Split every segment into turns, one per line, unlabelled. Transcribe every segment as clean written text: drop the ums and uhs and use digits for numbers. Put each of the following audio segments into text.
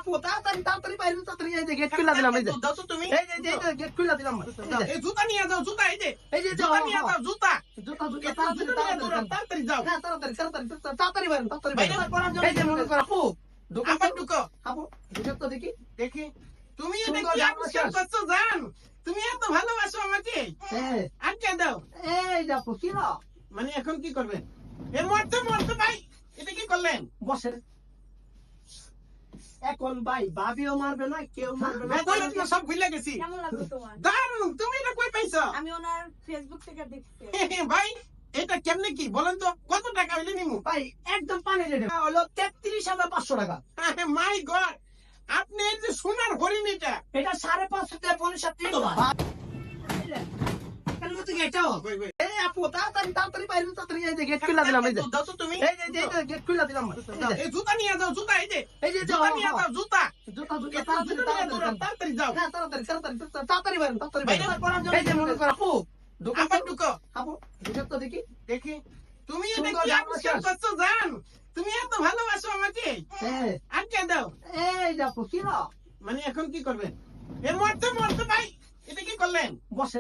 আপু তাড়াতাড়ি তাড়াতাড়ি বাইরে তাড়াতাড়ি এই যে গেট খুলে দিলাম এই যে
দাও তো তুমি
এই যে গেট খুলে দিলাম
এই জুতা নিয়ে যাও জুতা এই যে
জুতা
নিয়ে যাও জুতা
জুতা জুতা
তাড়াতাড়ি যাও
তাড়াতাড়ি বাইরে এই যে মনে কর আপু দোকান
আবার ঢুকো
আপু দোকান তো দেখি
দেখি তুমি এটা
সুন্দর
কি
জামা
আবিষ্কার
শেষ।
করছো জান তুমি এত ভালোবাসো আমাকে
হ্যাঁ
আটকে দাও
এই যে আপু কি না
মানে এখন কি করবেন এ মরতে মরতে ভাই এটা কি করলেন
বসে এখন ভাই ভাবিও মারবে না কেউ মারবে না
বেতন তো সব ভুলে গেছি
কেমন লাগলো তোমার?
দারুণ তুমি এটা কই পাইছো
আমি ওনার ফেসবুক থেকে দেখছি।
ভাই এটা কেমনে কি বলেন তো কত টাকা হইলে নিমু
ভাই একদম পানি রেটে হলো 33,500 টাকা
মাই গড আপনি এই যে সোনার হরিণ এটা
এটা 5.5 থেকে 5.5 তো ভাই কেন তো গেটাও
কই কই
এই আপু তাড়াতাড়ি তাড়াতাড়ি বাইরে তাড়াতাড়ি এই যে গেট খুলে দিলাম এই যে
দাও তো তুমি
এই যে গেট খুলে দিলাম
এই জুতা নিয়ে যাও জুতা এই যে
জুতা
নিয়ে যাও জুতা
জুতা
তাড়াতাড়ি যাও
তাড়াতাড়ি বাইরে এই যে মনে কর আপু দোকান
আবার ঢুকো
আপু দোকান তো দেখি
দেখি তুমি এটা
সুন্দর
কি
জামা
আবিষ্কার
শেষ।
করছো জান তুমি এত ভালোবাসো আমাকে
হ্যাঁ
আটকে দাও
এই যে আপু কি না
মানে এখন কি করবেন এ মরতে মরতে ভাই এটা কি করলেন
বসে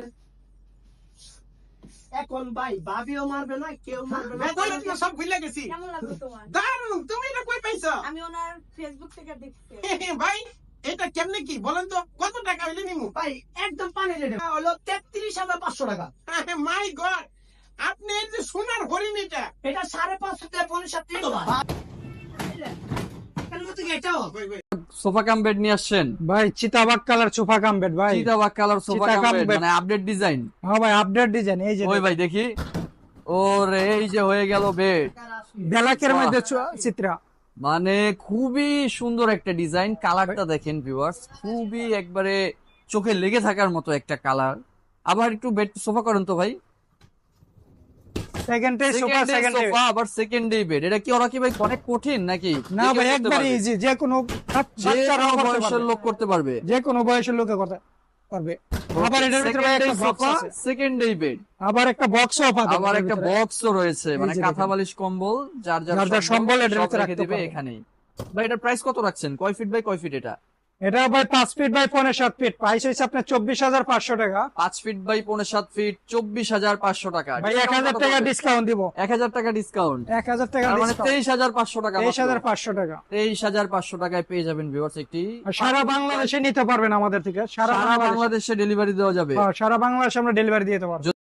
এখন ভাই ভাবিও মারবে না কেউ মারবে না
বেতন তো সব ভুলে গেছি
কেমন লাগলো তোমার?
দারুণ তুমি এটা কই পাইছো
আমি ওনার ফেসবুক থেকে দেখছি।
ভাই এটা কেমনে কি বলেন তো কত টাকা হইলে নিমু
ভাই একদম পানি রেটে হলো 33,500 টাকা
মাই গড আপনি এই যে সোনার হরিণ এটা
এটা 5.5 থেকে 5.5 তো ভাই কেন তো গেটাও
কই কই
সোফা কাম বেড নিয়ে আসছেন
ভাই চিতাবাগ কালার সোফা কাম বেড ভাই
চিতাবাগ কালার সোফা
চিতা
কাম
কাম
বেড
bed।
মানে আপডেট ডিজাইন
হ্যাঁ ভাই আপডেট ডিজাইন এই যে
ওই ভাই দেখি ওরে এই যে হয়ে গেল বেড
ব্ল্যাকের মধ্যে চিত্রা
মানে খুবই সুন্দর একটা ডিজাইন কালারটা দেখেন ভিউয়ার্স খুবই একবারে চোখে লেগে থাকার মতো একটা কালার আবার একটু বেড সোফা করেন তো ভাই
second day sofa
second
second day
sofa আবার সেকেন্ড ডে বেড এটা কি ওরা কি ভাই অনেক কঠিন নাকি
না
যে কেউ
ভাই
করতে
একবার
পারবে?
ইজি যে কোনো
যে
বাচ্চারাও
কোনো
করতে
বয়সের
পারবে।
লোক করতে পারবে
যে কোনো বয়সের লোকে করতে পারবে আবার এটার ভিতরে ভাই একটা বক্স
সোফা
আছে
সেকেন্ড ডে বেড
আবার একটা বক্সও পাবে
আবার একটা বক্সও রয়েছে মানে
যে
কাঁথা
দেখেন।
বালিশ কম্বল যার
যার যার সম্বল এটার
সব
ভিতরে
রেখে
রাখতে
দিবে
পারবে।
এখানেই ভাই এটার প্রাইস কত রাখছেন কয় ফিট বাই কয় ফিট এটা
এটা ভাই 5 ফিট বাই 7 ফিট প্রাইস হইছে আপনার 24,500 টাকা
5 ফিট বাই 7 ফিট 24,500 টাকা
ভাই 1000 টাকা ডিসকাউন্ট দিব
1000 টাকা ডিসকাউন্ট
1000 টাকা
তার মানে
ডিসকাউন্ট
23,500 টাকা
23,500 টাকা
23,500 টাকায় পেয়ে যাবেন ভিউয়ার্স একটি
আর সারা বাংলাদেশে নিতে পারবেন আমাদের থেকে সারা
সারা
বাংলাদেশে
বাংলাদেশে ডেলিভারি দেওয়া যাবে
সারা বাংলাদেশে আমরা ডেলিভারি দিতে পারবো